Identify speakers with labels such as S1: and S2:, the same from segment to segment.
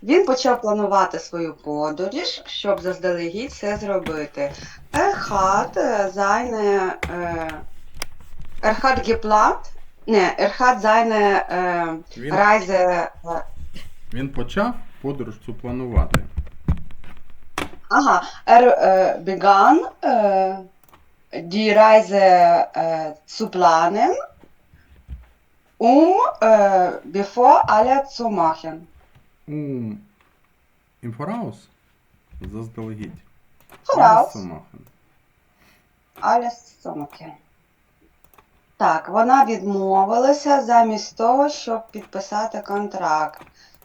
S1: Він почав планувати свою подорож, щоб заздалегідь це зробити. Er hat geplant, er hat seine
S2: Він,
S1: Reise,
S2: він почав подорож цю планувати.
S1: begann die Reise zu planen, bevor alle zu machen.
S2: Im Voraus. Заздалегідь.
S1: Voraus.
S2: Alles zu machen.
S1: Alles zu machen. Так, вона відмовилася замість того, щоб підписати контракт.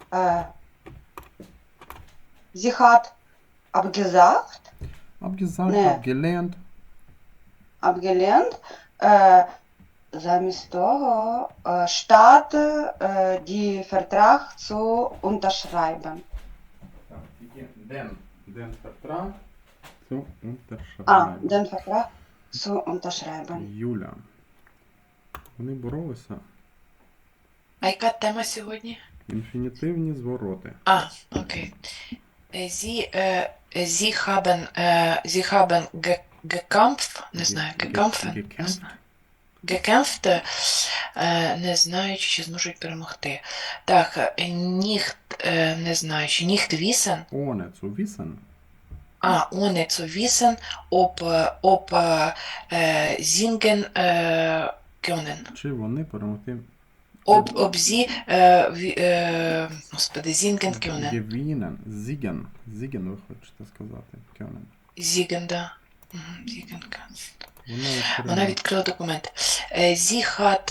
S1: Sie hat abgesagt,
S2: Abgesagt,
S1: Nee.
S2: abgelehnt.
S1: abgelehnt, замість того, statt die Vertrag zu unterschreiben.
S2: Den Vertrag zu unterschreiben.
S1: Den Vertrag zu unterschreiben.
S2: Юля. Вони боролися.
S3: А яка тема сьогодні?
S2: Інфінітивні звороти.
S3: Окей. Sie haben gekämpft, не знаю, gekämpft, не знаючи, чи зможуть перемогти. Так, nicht, не знаю, чи nicht wissen,
S2: Ohne zu wissen.
S3: ohne zu wissen, ob singen können.
S2: Чи вони перемогти
S3: Ob sie, господи, singen können.
S2: Gewinnen. Siegen. Siegen, ви хочете сказати. Können.
S3: Singen, да. Singen können.
S2: Вона
S3: Вона відкрила документ. Sie hat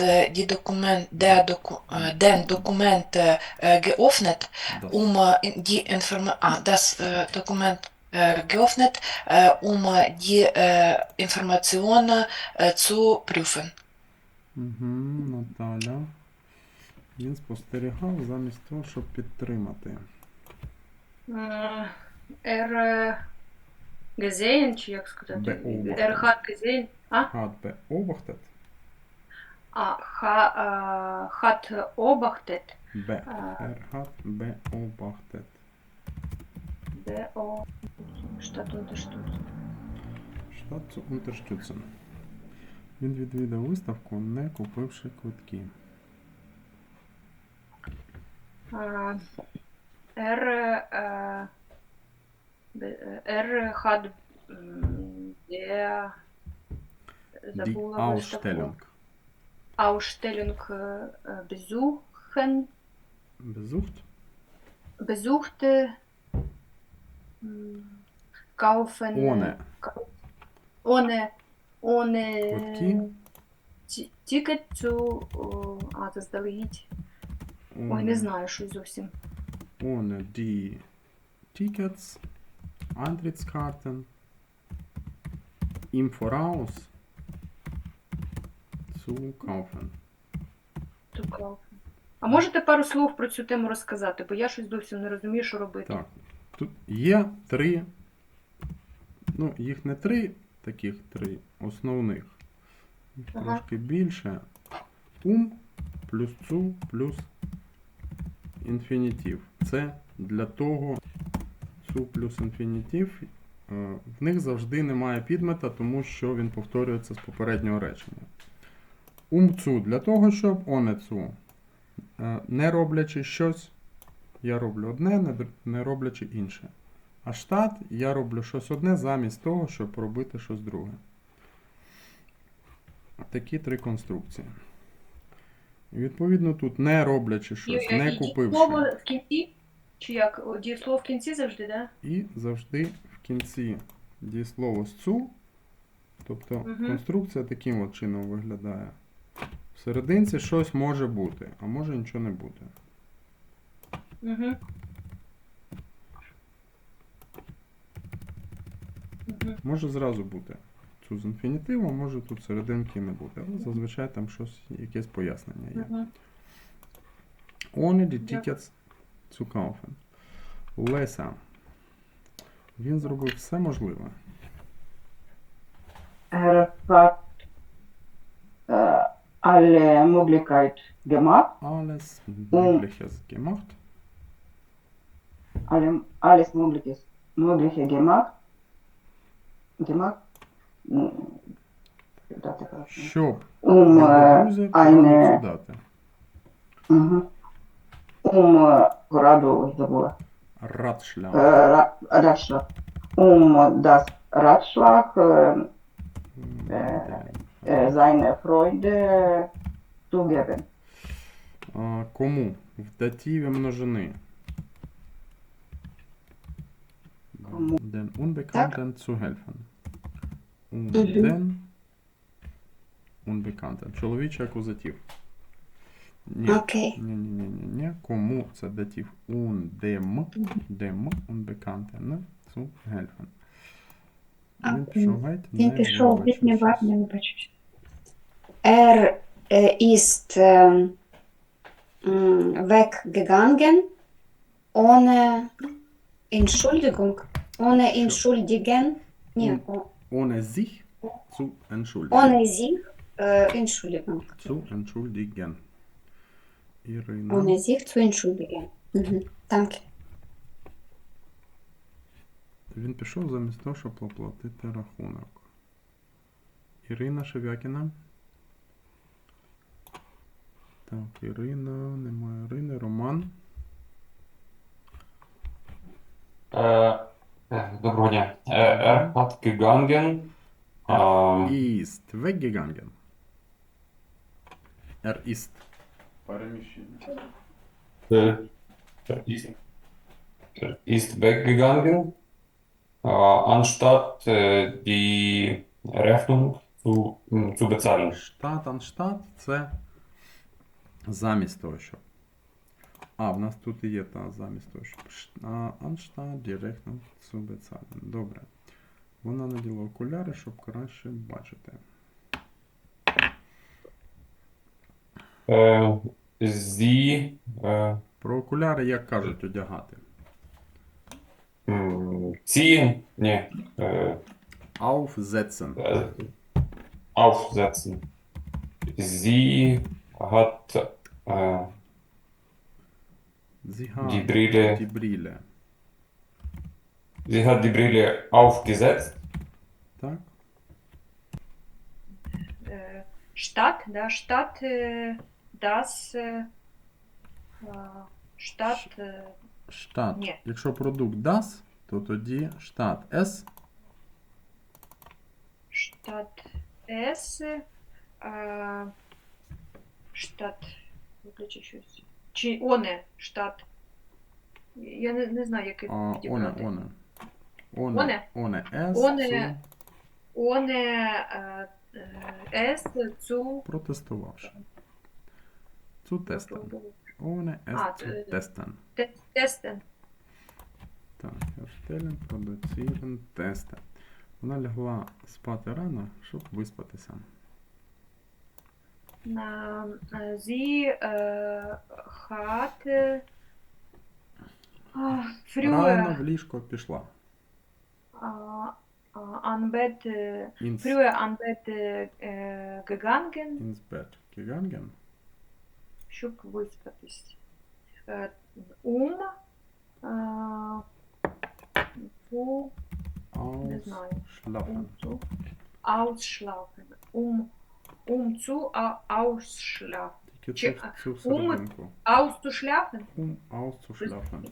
S3: den Dokument geöffnet, um die das Dokument geöffnet, um die Informationen zu prüfen.
S2: Наталя. Він спостерігав замість того, щоб підтримати.
S4: Gesehen, чи як сказати?
S2: Beobachtet.
S4: Hat gesehen.
S2: Hat beobachtet.
S4: Hat beobachtet.
S2: Hat beobachtet.
S4: Statt unterstützen.
S2: Statt zu unterstützen. Він відвідав виставку, не купивши квитки.
S4: Hat
S2: Die Ausstellung.
S4: Ausstellung besucht, kaufen, ohne
S2: Квитки.
S4: ticket zu, заздалегідь. Ой, не знаю, що зовсім.
S2: Ohne die Tickets, Eintrittskarten, im Voraus zu kaufen.
S4: А можете пару слов про цю тему розказати? Бо я щось зовсім не розумію, що робити.
S2: Так, тут є три, ну, їх не три, таких три основних. Їх трошки більше. Плюс цу плюс інфінітив. Це для того, цу плюс інфінітив, в них завжди немає підмета, тому що він повторюється з попереднього речення. Цу для того, щоб цу. Не роблячи щось, я роблю одне, не роблячи інше. А штат я роблю щось одне замість того, щоб робити щось друге. Такі три конструкції. І відповідно тут не роблячи щось, не купивши.
S4: Дієслово в кінці? Чи як? Дієслово в кінці завжди, так? Да?
S2: І завжди в кінці дієслово з цу. Тобто конструкція таким от чином виглядає. В серединці щось може бути, а може нічого не бути. Може зразу бути цю з інфінітивом, може тут серединки не бути, але зазвичай там щось, якесь пояснення є. Ohne die Tickets zu kaufen. Леся. Він зробив все можливе.
S1: Er hat alle Möglichkeiten gemacht.
S2: Alles Mögliches gemacht.
S1: alles Mögliche gemacht, дати коротше.
S2: Щоб
S1: um
S2: друзі пораду
S1: eine,
S2: цю дати.
S1: mhm, пораду, забула,
S2: Радшлях.
S1: Ratschlag, das Ratschlag, seine Freude zu geben.
S2: Кому? В дативі множини.
S1: Кому?
S2: Den Unbekannten zu helfen. Den Unbekannten. Чоловічий акузатив. Ні.
S5: Окей.
S2: Ні. Кому це датив? Dem Unbekannten zu helfen. Він пішов геть,
S5: Він пішов, він не
S2: вибачившись.
S5: вибачився. Er ist weggegangen ohne Entschuldigung. Ohne entschuldigen. Ні,
S2: Ohne sich zu entschuldigen.
S5: ohne sich Entschuldigung.
S2: Zu entschuldigen. Ірина.
S5: Ohne sich zu entschuldigen. Danke.
S2: Він пішов замість того, щоб оплатити рахунок. Ірина Шевякіна. Так, Ірина, немає Ірини. Роман.
S6: Доброго дня. Hat gegangen.
S2: Ist weggegangen. Ist. Переміщення.
S6: Ist, ist weggegangen, anstatt die Rechnung zu bezahlen.
S2: Штат, анштат це замість того, щоб. В нас тут і є та замість того, щоб. Анштат, директно, беззален. Добре. Вона наділа окуляри, щоб краще бачити.
S6: Sie
S2: Про окуляри, як кажуть, одягати.
S6: ziehen, nee,
S2: Aufsetzen.
S6: aufsetzen. Sie hat
S2: Sie hat
S6: die Brille,
S2: die Brille.
S6: sie hat die Brille aufgesetzt.
S2: Так?
S4: Штат, да, штат, das, штат,
S2: Штат.
S4: Ні.
S2: Якщо продукт das, то тоді штат S.
S4: штат С, штат, виключи щось. Чи оне, штат. Я не знаю, який
S2: Оне.
S4: підібрати.
S2: Оне S.
S4: Оне. Оне, С, цу,
S2: Протестувавши. Цу тестен. Оне
S4: А,
S2: S цу тестен.
S4: тестен.
S2: Так, Erstellen, produzieren, testen. Вона лягла спати рано, щоб виспатися.
S4: Sie hat
S2: Рано
S4: früher
S2: в ліжко пішла.
S4: an Bett, früher an Bett gegangen,
S2: Ins Bett gegangen.
S4: щоб виспатись. Zu, не знаю.
S2: Ausschlafen.
S4: Zu ausschlafen. Zu ausschlafen.
S2: Тільки
S4: Чи-
S2: цю серединку.
S4: Auszuschlafen?
S2: Auszuschlafen.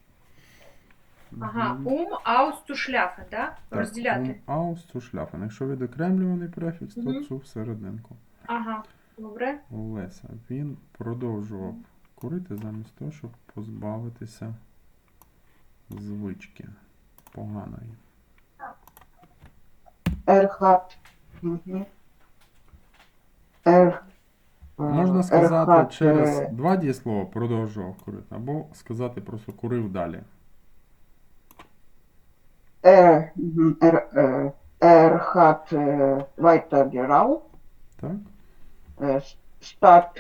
S4: Ага,
S2: Мгм.
S4: auszuschlafen, да?
S2: Так,
S4: Розділяти.
S2: Auszuschlafen. Якщо відокремлюваний префікс, то
S4: Мгм.
S2: цю серединку.
S4: Ага, добре.
S2: Олеся. Він продовжував курити замість того, щоб позбавитися звички поганої.
S1: Hat,
S2: Можна сказати
S1: hat,
S2: через два дієслова продовжував курити, або сказати просто курив далі.
S1: hat weiter geraucht,
S2: Так?
S1: statt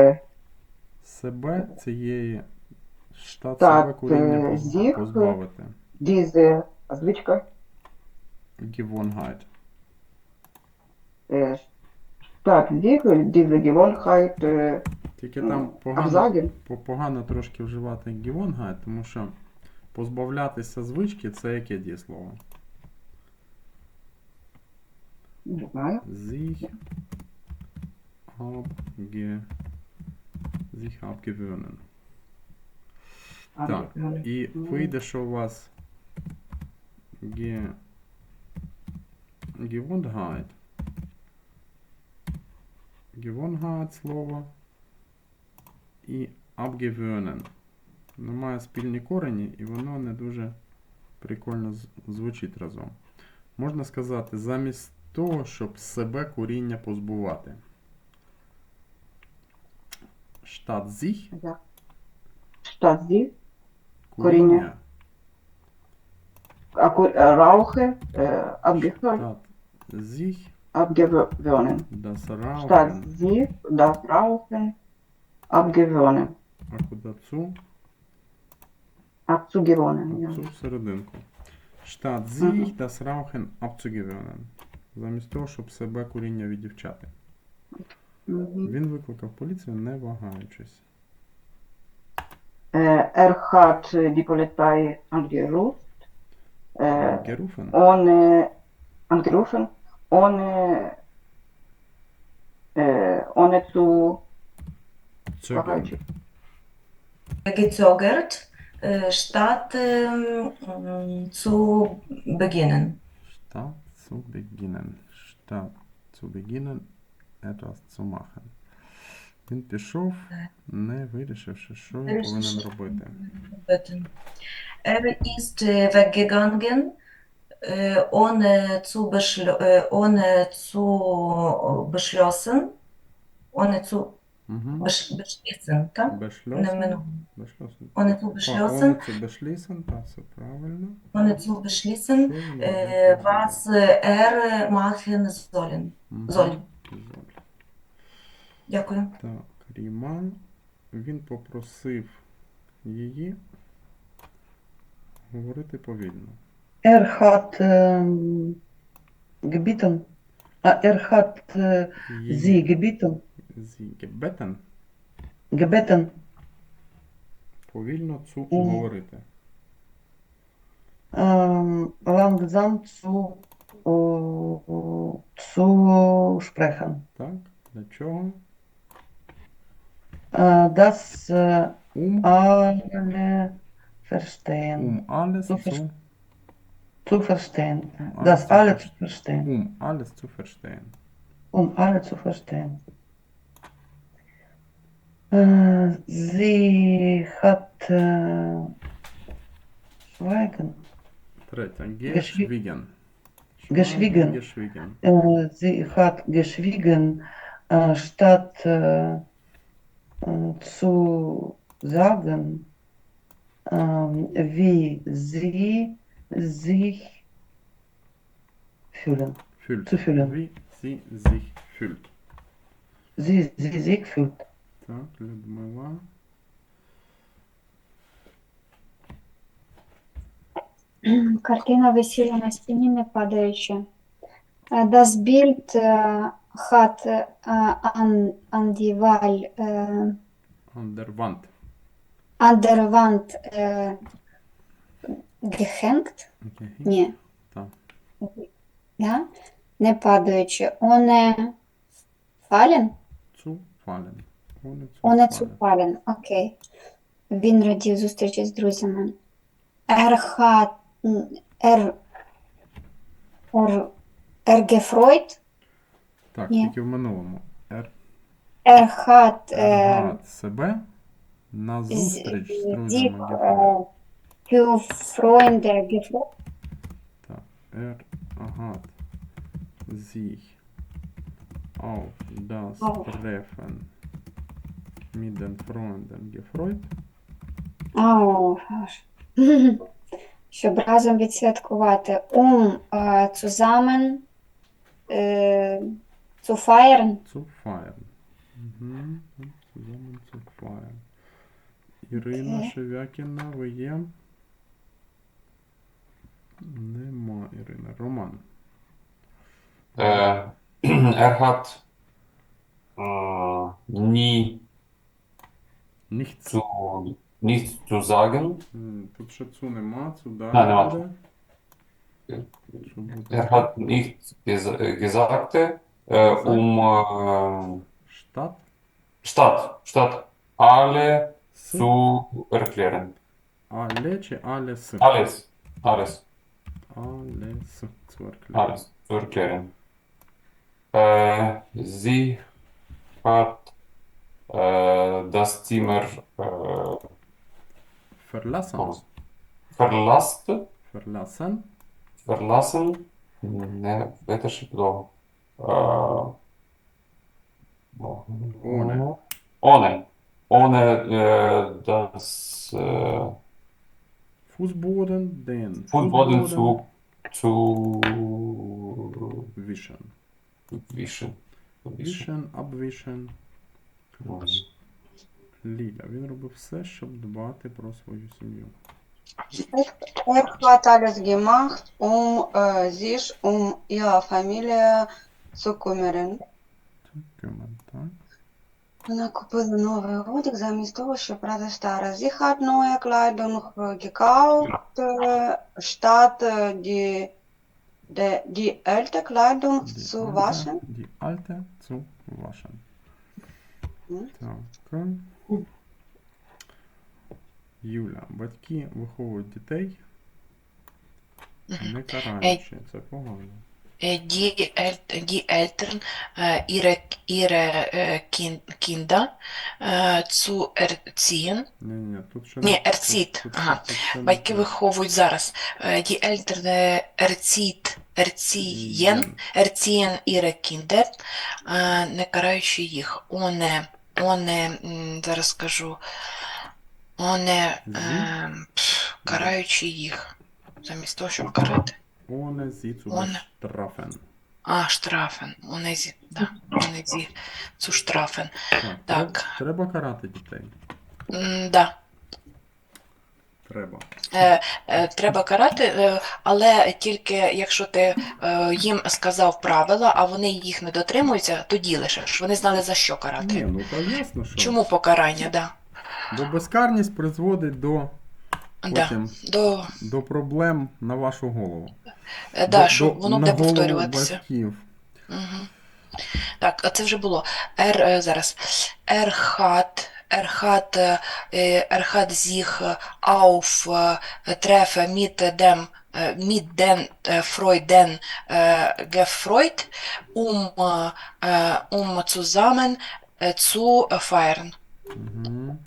S2: Себе цієї штат
S1: Так,
S2: себе куріння
S1: зіх.
S2: позбавити.
S1: diese звичка,
S2: Gewohnheit.
S1: statt diese Gewohnheit
S2: Тільки там погано,
S1: absagen.
S2: погано трошки вживати Gewohnheit, тому що Позбавлятися звички це яке дієслово?
S1: Не знаю.
S2: Sich abgewöhnen. Так, і вийде, що у вас Gewohnheit. Gewohnheit слово і abgewöhnen. Воно має спільні корені, і воно не дуже прикольно звучить разом. Можна сказати, замість того, щоб себе коріння позбувати. Statt sich
S1: Statt sie,
S2: коріння.
S1: Rauche, abgehört,
S2: Statt sich
S1: abgewöhnen.
S2: das
S1: Statt
S2: Rauchen.
S1: sie, das Rauchen, abgewöhnen.
S2: А куди цу?
S1: Abzugewöhnen, ja.
S2: Цю серединку. Statt sich das Rauchen abzugewöhnen. Замість того, щоб себе коріння віддівчати.
S1: Mhm.
S2: Він викликав поліцію, не вагаючись.
S1: Er hat die Polizei
S2: Gerufen.
S1: angerufen, ohne zu
S2: Zögern.
S7: gezögert, statt zu beginnen.
S2: Statt zu beginnen. Statt zu beginnen etwas zu machen. Він пішов, не вирішивши, що він повинен робити.
S7: Er ist weggegangen, ohne zu
S2: Угу.
S7: beschließen, так? Не
S2: Beschlossen.
S7: минуло.
S2: Beschlossen.
S7: Ohne zu beschlossen,
S2: Ohne zu beschließen, так, все правильно.
S7: ohne zu beschließen,
S2: Що він робити
S7: was er machen sollen.
S2: Мгм.
S7: soll.
S2: Soll.
S7: Дякую.
S2: Так, Ріман. Він попросив її говорити повільно.
S8: Er hat gebeten, er hat sie gebeten,
S2: Sie gebeten
S8: gebeten,
S2: повільно цу
S8: Мгм.
S2: говорити.
S8: langsam zu sprechen.
S2: Так, для чого?
S8: Dass
S2: Um,
S8: alle verstehen.
S2: alles
S8: Zu
S2: zu,
S8: Zu verstehen.
S2: alles
S8: Das
S2: zu
S8: alle
S2: verstehen.
S8: zu verstehen.
S2: Alles zu verstehen.
S8: Alle zu verstehen. Sie hat schweigen.
S2: Третє.
S8: Geschwiegen.
S2: Schweigen.
S8: Geschwiegen.
S2: Geschwiegen.
S8: Sie hat geschwiegen, statt zu sagen, wie sie sich fühlen.
S2: Fühlt.
S8: Zu fühlen.
S2: Wie sie sich fühlt.
S8: Sie sich fühlt.
S2: Так, Людмила.
S5: Картина висіла на стіні, не падаючи. Das Bild hat an die Wall,
S2: An der Wand.
S5: an der Wand gehängt.
S2: Okay.
S5: Ні.
S2: Так.
S5: Ja? Не падаючи. Ohne fallen?
S2: Zu fallen. Ohne zu
S5: Ohne
S2: fallen.
S5: zu fallen. Окей. Він радів зустрічі з друзями. Er gefreut.
S2: Так,
S5: Ні.
S2: тільки в минулому.
S5: Er hat
S2: Гад себе на зустріч з
S5: sich
S2: друзями gefreut.
S5: für Freunde gefreut.
S2: Так, hat sich auf das
S5: Auf.
S2: Treffen mit den Freunden gefreut.
S5: Ау, щоб разом відсвяткувати. Zusammen zu feiern.
S2: Zu feiern. Mhm. Zusammen zu feiern. Ірина
S5: Окей.
S2: Шевякіна, ви є? Нема Ірина. Роман.
S6: Er hat nie
S2: Nichts.
S6: zu nichts zu sagen.
S2: Тут ще цу нема, цу далі
S6: нема.
S2: буде. Що буде?
S6: Er hat nichts gesagt,
S2: Штат.
S6: statt alle
S2: С.
S6: zu erklären.
S2: Але чи але с?
S6: Alles, alles,
S2: Але с. Цу erklären.
S6: alles zu erklären. Sie hat das Zimmer
S2: Verlassen. Verlassen.
S6: verlassen. Ne, это же плохо.
S2: Ohne.
S6: Ohne das
S2: Fußboden, den
S6: Fußboden zu
S2: wischen.
S6: wischen.
S2: Wischen, abwischen. Ліля, він робив все, щоб дбати про свою сім'ю.
S1: Er hat alles gemacht, sich um ihre Familie zu kümmern.
S2: Коментар.
S1: Вона купила новий одяг замість того, щоб брати старе. Sie hat neue Kleidung gekauft, statt die alte Kleidung zu waschen.
S2: Die alte zu waschen.
S1: Мгм.
S2: Так. Юля, батьки виховують дітей, не караючи. Це погано.
S3: Die Eltern ihre Kinder zu erziehen.
S2: Ні, тут ще
S3: Ні,
S2: не-
S3: erzieht.
S2: тут
S3: Ага.
S2: ще не
S3: Батьки
S2: те.
S3: виховують зараз. Die Eltern erziehen ihre Kinder, не караючи їх. Зараз скажу, караючи їх. Замість того, щоб карати.
S2: Ohne sie zu
S3: Ohne.
S2: bestrafen.
S3: Штрафен. Ohne sie zu strafen. Так.
S2: Треба карати дітей.
S3: Да.
S2: Треба.
S3: Треба карати, але тільки якщо ти їм сказав правила, а вони їх не дотримуються, тоді лише ж вони знали за що
S2: Ні,
S3: карати.
S2: ну то ясно, що.
S3: Чому покарання, да.
S2: Бо безкарність призводить до
S3: Да.
S2: потім до проблем на вашу голову.
S3: Да, що воно
S2: на
S3: буде
S2: голову
S3: повторюватися.
S2: батьків.
S3: Угу. Так, а це вже було. Зараз. Er hat sich treffen mit den Freuden gefreut, um zusammen zu feiern.
S2: Угу.